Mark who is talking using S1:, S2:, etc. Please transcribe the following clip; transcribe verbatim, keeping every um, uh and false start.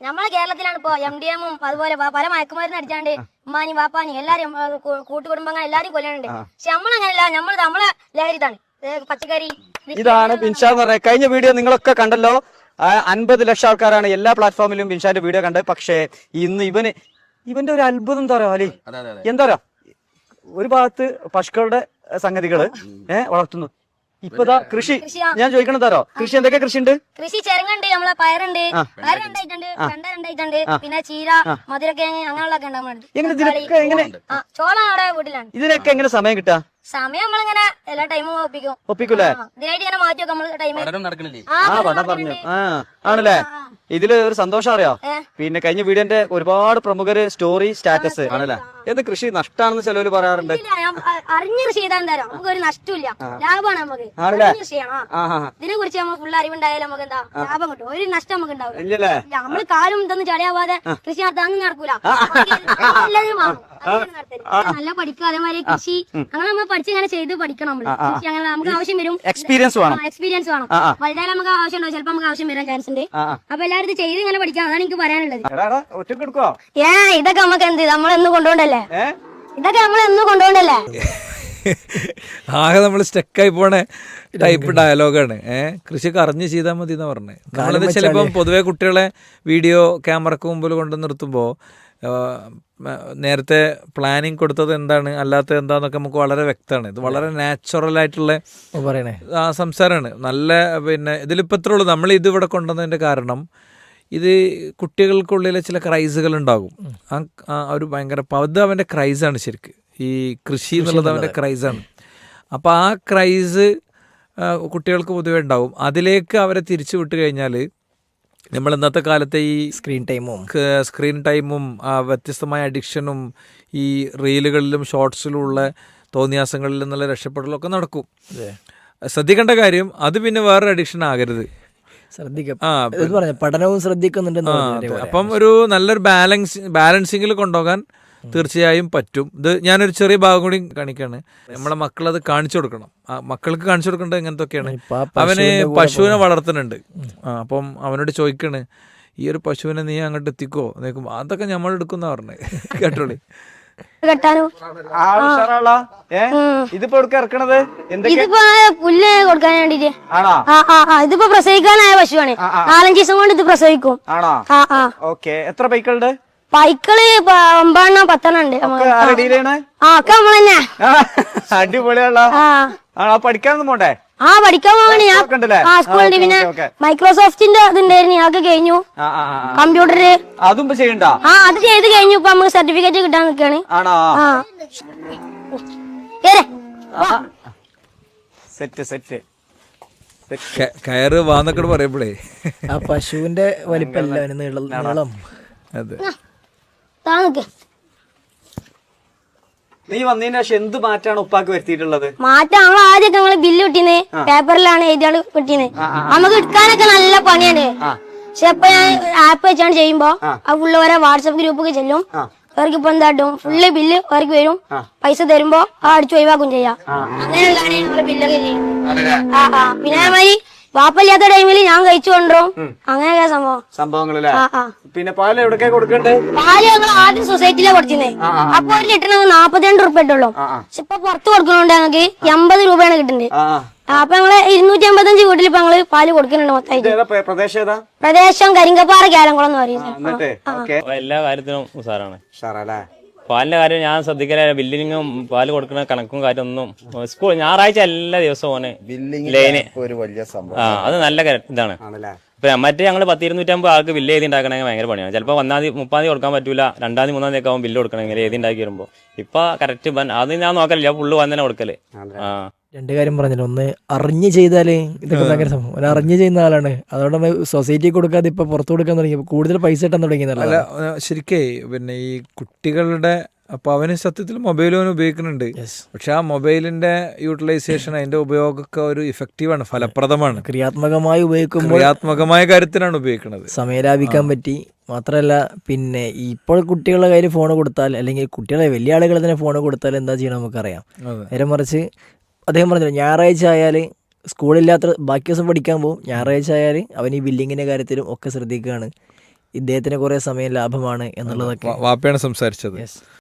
S1: നമ്മളെ കേരളത്തിലാണ് ഇപ്പൊ എം ഡി എമ്മും അതുപോലെ പല മയക്കുമരുന്ന് അടിച്ചാണ്ട് ഉമ്മാനി വാപ്പാനി എല്ലാരും കൂട്ടുകുടുംബങ്ങൾ എല്ലാരും കൊല്ലുന്നുണ്ട്. പക്ഷെ നമ്മളങ്ങനെയല്ല, നമ്മൾ നമ്മളെ ലഹരിതാണ് പച്ചക്കറി.
S2: ഇതാണ് ബിൻഷാ എന്ന് പറയുന്നത്. കഴിഞ്ഞ വീഡിയോ നിങ്ങളൊക്കെ കണ്ടല്ലോ, അൻപത് ലക്ഷം ആൾക്കാരാണ് എല്ലാ പ്ലാറ്റ്ഫോമിലും ബിൻഷാന്റെ വീഡിയോ കണ്ടത്. പക്ഷേ ഇന്ന് ഇവന് ഇവന്റെ ഒരു അത്ഭുതം എന്താ പറയാ അലി, എന്താ പറയാ, ഒരു ഭാഗത്ത് പശുക്കളുടെ സംഗതികള് ഏഹ് വളർത്തുന്നു. ഇപ്പതാ കൃഷി. ഞാൻ ചോദിക്കണത് തരോ, കൃഷി എന്തൊക്കെ കൃഷി ഉണ്ട്?
S1: കൃഷി ചെറുങ്ങുണ്ട്, നമ്മളെ പയറുണ്ട്, പയർ രണ്ടായിട്ടുണ്ട്, വെണ്ട രണ്ടായിട്ടുണ്ട്, പിന്നെ ചീര, മധുരക്കിഴങ്ങ് അങ്ങനെയുള്ളതൊക്കെ ഉണ്ടാകുന്നുണ്ട്. ചോളം അവിടെ വീട്ടിലാണ്.
S2: ഇതിനൊക്കെ എങ്ങനെ സമയം കിട്ടാ?
S1: സമയം നമ്മളിങ്ങനെ എല്ലാ ടൈമും ഒപ്പിക്കും.
S2: ഒപ്പിക്കൂലേ?
S1: ഇതിനായിട്ട് ഇങ്ങനെ മാറ്റി വെക്കും നമ്മള് ടൈം.
S2: ആ പഠനം പറഞ്ഞു. ആ ആണല്ലേ. ഇതില് ഒരു സന്തോഷം അറിയോ, പിന്നെ കഴിഞ്ഞ വീഡിയോന്റെ ഒരുപാട് പ്രമുഖര് സ്റ്റോറി സ്റ്റാറ്റസ് ആണല്ലേ. എന്ത് കൃഷി നഷ്ടാണെന്ന് ചിലവര് പറയാറുണ്ട്.
S1: അറിഞ്ഞ് കൃഷി ചെയ്താൽ തരാം, നമുക്ക് ഒരു നഷ്ടമില്ല, ലാഭമാണ് നമുക്ക്. കൃഷി ചെയ്യണം, ഇതിനെ കുറിച്ച് നമുക്ക് ഫുൾ അറിവുണ്ടായാലും നമുക്ക് എന്താ ലാഭം കിട്ടും, ഒരു നഷ്ടം നമുക്ക് ഉണ്ടാവില്ല. നമ്മള് കാലും ഇതൊന്നും ചടയാവാതെ കൃഷി നടത്താൻ നടക്കൂല. നല്ല പഠിക്കുക, അതേമാതിരി കൃഷി അങ്ങനെ നമ്മൾ പഠിച്ച് ഇങ്ങനെ ചെയ്ത് പഠിക്കണം. നമ്മള് കൃഷി അങ്ങനെ നമുക്ക് ആവശ്യം വരും, എക്സ്പീരിയൻസ് വേണം. എക്സ്പീരിയൻസ് വേണം. വലുതായാലും നമുക്ക് ആവശ്യം ഉണ്ടാവും, ചിലപ്പോ നമുക്ക് ആവശ്യം വരാൻ ചാൻസ് ഉണ്ട്. അപ്പൊ എല്ലാവരും ഇത് ചെയ്ത് ഇങ്ങനെ പഠിക്കാം, അതാണ് എനിക്ക് പറയാനുള്ളത്. ഏ ഇതൊക്കെ നമുക്ക് എന്ത് നമ്മളെന്ന് കൊണ്ടുപോകണ്ടല്ലേ, ഇതൊക്കെ നമ്മളെന്ന് കൊണ്ടുപോകണ്ടല്ലേ.
S3: ആകെ നമ്മൾ സ്റ്റക്കായി പോണേ ടൈപ്പ് ഡയലോഗാണ്. ഏഹ് കൃഷിയൊക്കെ അറിഞ്ഞ് ചെയ്താൽ മതി എന്ന് പറഞ്ഞത്. നമ്മളത് ചിലപ്പം പൊതുവെ കുട്ടികളെ വീഡിയോ ക്യാമറക്ക് മുമ്പിൽ കൊണ്ട് നിർത്തുമ്പോൾ നേരത്തെ പ്ലാനിങ് കൊടുത്തത് എന്താണ് അല്ലാത്തത് എന്താന്നൊക്കെ നമുക്ക് വളരെ വ്യക്തമാണ്. ഇത് വളരെ നാച്ചുറൽ ആയിട്ടുള്ള പറയണേ സംസാരമാണ്. നല്ല പിന്നെ ഇതിലിപ്പോൾ ഇത്രേ ഉള്ളൂ. നമ്മൾ ഇത് ഇവിടെ കൊണ്ടുവന്നതിൻ്റെ കാരണം ഇത് കുട്ടികൾക്കുള്ളിലെ ചില ക്രൈസുകൾ ഉണ്ടാകും. ആ ഒരു ഭയങ്കര അത് അവൻ്റെ ക്രൈസാണ് ശരിക്ക്. ഈ കൃഷി എന്നുള്ളത് അവൻ്റെ ക്രൈസാണ്. അപ്പോൾ ആ ക്രൈസ് കുട്ടികൾക്ക് പൊതുവെ ഉണ്ടാവും. അതിലേക്ക് അവരെ തിരിച്ചു വിട്ട് കഴിഞ്ഞാൽ നമ്മൾ ഇന്നത്തെ കാലത്തെ ഈ സ്ക്രീൻ ടൈമും സ്ക്രീൻ ടൈമും വ്യത്യസ്തമായ അഡിക്ഷനും ഈ റീലുകളിലും ഷോർട്സിലുള്ള തോന്നിയാസങ്ങളിൽ നിന്നുള്ള രക്ഷപ്പെടലൊക്കെ നടക്കും. ശ്രദ്ധിക്കേണ്ട കാര്യം അത് പിന്നെ വേറൊരു അഡിക്ഷൻ ആകരുത്.
S4: പഠനവും ശ്രദ്ധിക്കുന്നുണ്ട്.
S3: അപ്പം ഒരു നല്ലൊരു ബാലൻസ് ബാലൻസിങ്ങിൽ കൊണ്ടുപോകാൻ തീർച്ചയായും പറ്റും. ഇത് ഞാനൊരു ചെറിയ ഭാഗം കൂടി കാണിക്കാണ്. നമ്മളെ മക്കളത് കാണിച്ചു കൊടുക്കണം. മക്കൾക്ക് കാണിച്ചു കൊടുക്കേണ്ടത് എങ്ങനത്തൊക്കെയാണ്. അവന് പശുവിനെ വളർത്തുന്നുണ്ട്. ആ അപ്പം അവനോട് ചോദിക്കണ്, ഈ ഒരു പശുവിനെ നീ അങ്ങോട്ട് എത്തിക്കോ നോക്കുമ്പോ അതൊക്കെ നമ്മൾ എടുക്കുന്ന പറഞ്ഞേ കേട്ടോളി.
S2: ഇതിപ്പോ ഇറക്കണത്
S1: ഇതിപ്പോ പുല്ല് കൊടുക്കാൻ വേണ്ടിട്ട്. ഇതിപ്പോ പ്രസവിക്കാനായ പശുവാണ്. നാലഞ്ച് ദിവസം കൊണ്ട് ഇത് പ്രസവിക്കും.
S2: ഓക്കെ. എത്ര പൈക്കളുണ്ട്?
S1: പൈക്കള് ഒമ്പതെണ്ണം പത്തെണ്ണം ഉണ്ട്. ആ ഒക്കെ നമ്മളന്നെ.
S2: അടിപൊളിയുള്ള. പഠിക്കാനൊന്നും പോണ്ടേ?
S1: ആ പഠിക്കാൻ പോവാണ് ഞാൻ. ആ സ്കൂളിൽ പിന്നെ മൈക്രോസോഫ്റ്റിന്റെ ഇതുണ്ടായിരുന്നു, ഞങ്ങൾക്ക് കഴിഞ്ഞു. കമ്പ്യൂട്ടറ്
S2: അതും ചെയ്യണ്ട.
S1: ആ അത് ചെയ്ത് കഴിഞ്ഞു. ഇപ്പൊ നമുക്ക് സർട്ടിഫിക്കറ്റ് കിട്ടാൻ നിൽക്കാണ്.
S2: സെറ്റ് സെറ്റ്
S3: കയറ് വാന്നൊക്കെ പറയുമ്പോഴേ
S4: ആ പശുവിന്റെ വലിപ്പല്ല നീളം.
S3: അതെ.
S2: നീ വന്നതിന് ശേഷം എന്ത് മാറ്റാണ് ഉപ്പാക്ക് വരുത്തിയിട്ടുള്ളത്?
S1: മാറ്റം നമ്മൾ ആദ്യമൊക്കെ നമ്മള് ബില്ല് കിട്ടീന്ന് പേപ്പറിലാണ് എഴുതിയാണ് കിട്ടീന്ന്. നമുക്ക് എടുക്കാനൊക്കെ നല്ല പണിയാണ്. പക്ഷെ ഇപ്പൊ ഞാൻ ആപ്പ് വെച്ചാണ് ചെയ്യുമ്പോ ആ ഫുള്ള് ഓരോ വാട്സപ്പ് ഗ്രൂപ്പൊക്കെ ചെല്ലും. അവർക്ക് ഇപ്പൊ എന്താട്ടും ഫുള്ള് ബില്ല് അവർക്ക് വരും. പൈസ തരുമ്പോ ആ അടിച്ചു ഒഴിവാക്കും ചെയ്യാം. അങ്ങനെയുള്ളതാണ് നമ്മള് ബില്ലൊക്കെ ചെയ്യും. ആ ആ പിന്നെ മാതിരി വാപ്പല്ലാത്ത ടൈമിൽ ഞാൻ കഴിച്ചു കൊണ്ടും അങ്ങനെയൊക്കെ സംഭവം
S2: സംഭവങ്ങളല്ലേ. പിന്നെ പാല് എവിടൊക്കെ കൊടുക്കണ്ടേ?
S1: പാല് ഞങ്ങൾ ആദ്യം സൊസൈറ്റിയിലെ കൊടുത്തിരുന്നേ. അപ്പൊ ഒരു ലിറ്ററിന് നാപ്പത്തിരണ്ട് റുപ്യ ഇട്ടുള്ളൂ. പക്ഷെ ഇപ്പൊ പുറത്ത് കൊടുക്കണോണ്ട് ഞങ്ങൾക്ക് എൺപത് രൂപയാണ് കിട്ടുന്നത്. അപ്പൊ ഞങ്ങള് ഇരുന്നൂറ്റി അമ്പത്തഞ്ച് വീട്ടിൽ ഇപ്പൊ ഞങ്ങള് പാല് കൊടുക്കുന്നുണ്ട് മൊത്തമായിട്ട്. പ്രദേശം കരിങ്കപ്പാറ കേലംകുളം എന്ന് പറയുന്നത്.
S5: എല്ലാ കാര്യത്തിനും ഉസാറാണ്. പാലിന്റെ കാര്യം ഞാൻ ശ്രദ്ധിക്കല. ബില്ലിങ്ങും പാല് കൊടുക്കുന്ന കണക്കും കാര്യമൊന്നും സ്കൂൾ ഞായറാഴ്ച എല്ലാ ദിവസവും ഓനെ ലൈന്. ആ അത് നല്ല ഇതാണ്. ഇപ്പൊ മറ്റേ ഞങ്ങള് പത്ത് ഇരുന്നൂറ്റമ്പത് ആൾക്ക് ബില്ല് എഴുതി ഉണ്ടാക്കണമെങ്കിൽ ഭയങ്കര പണിയാണ്. ചിലപ്പോൾ ഒന്നാം തീയതി മുപ്പാം തീയതി കൊടുക്കാൻ പറ്റൂല, രണ്ടാം തീയതി മൂന്നാം തീയതി ഒക്കെ ആവും ബില്ല് കൊടുക്കണമെങ്കിൽ എഴുതി ഉണ്ടാക്കി വരുമ്പോ. ഇപ്പൊ കറക്റ്റ് അത് ഞാൻ നോക്കലില്ല, ഫുള്ള് വന്നെ കൊടുക്കല്. ആ
S4: രണ്ട് കാര്യം പറഞ്ഞല്ലോ. ഒന്ന് അറിഞ്ഞ് ചെയ്താല് ഇതൊക്കെ ഭയങ്കര സംഭവം. ഒരു അറിഞ്ഞ് ചെയ്യുന്ന ആളാണ്. അതുകൊണ്ട് നമ്മൾ സൊസൈറ്റി കൊടുക്കാതെ ഇപ്പൊ പുറത്തു കൊടുക്കാൻ തുടങ്ങി, കൂടുതൽ പൈസ കിട്ടാൻ തുടങ്ങിയതല്ല.
S3: ശരിക്കേ പിന്നെ ഈ കുട്ടികളുടെ അപ്പോൾ അവന് സത്യത്തിൽ മൊബൈൽ അവൻ ഉപയോഗിക്കുന്നുണ്ട്. പക്ഷെ ആ മൊബൈലിന്റെ യൂട്ടിലൈസേഷൻ അതിന്റെ ഉപയോഗമൊക്കെ ഒരു ഇഫക്റ്റീവാണ്, ഫലപ്രദമാണ്.
S4: ക്രിയാത്മകമായി ഉപയോഗിക്കുമ്പോൾ
S3: ക്രിയാത്മകമായ കാര്യത്തിനാണ് ഉപയോഗിക്കുന്നത്.
S4: സമയം ലാഭിക്കാൻ പറ്റി. മാത്രമല്ല പിന്നെ ഇപ്പോൾ കുട്ടികളുടെ കയ്യിൽ ഫോൺ കൊടുത്താൽ, അല്ലെങ്കിൽ കുട്ടികളെ വലിയ ആളുകൾ തന്നെ ഫോൺ കൊടുത്താൽ എന്താ ചെയ്യണം നമുക്കറിയാം. നേരെ മറിച്ച് അദ്ദേഹം പറഞ്ഞല്ലോ, ഞായറാഴ്ച ആയാൽ സ്കൂളില്ലാത്ത ബാക്കി ദിവസം പഠിക്കാൻ പോകും, ഞായറാഴ്ച ആയാൽ അവൻ ഈ ബില്ലിങ്ങിൻ്റെ കാര്യത്തിലും ഒക്കെ ശ്രദ്ധിക്കുകയാണ്. ഇദ്ദേഹത്തിന് കുറേ സമയം ലാഭമാണ് എന്നുള്ളതൊക്കെ
S3: വാപ്പയാണ് സംസാരിച്ചത്.